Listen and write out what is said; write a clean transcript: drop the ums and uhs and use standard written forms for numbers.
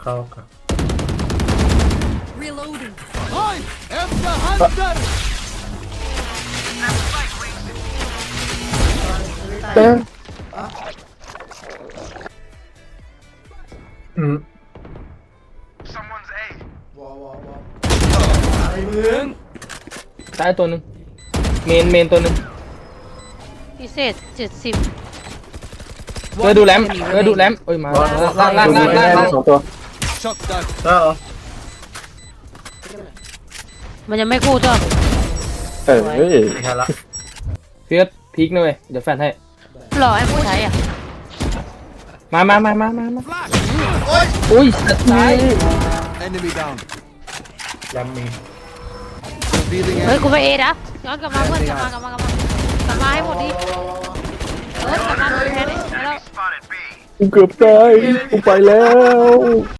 เข้ากับ Reloading. I am the hunter. เต้อืมไอ้มึงตายตัวหนึ่งเมนตัวหนึ่งพิเศษ70 เออดูแรมเอ้ยมาล่างสองตัว Shot down. ได้เหรอมันยังไม่กู้ตัวเฮ้ยไม่ทันละเฟียสพีกหน่อยเดี๋ยวแฟนให้หล่อให้ผู้ใช้อ่ะมา Flash. อุ้ยสัตว์ตาย Enemy down. แรมมี Revealing เฮ้ย enemy. กูไปเอนะย้อนกลับมาเพื่อนกลับมาให้หมดดิกลับมาดูแทนดิแล้วกูเกือบตายกูไปแล้ว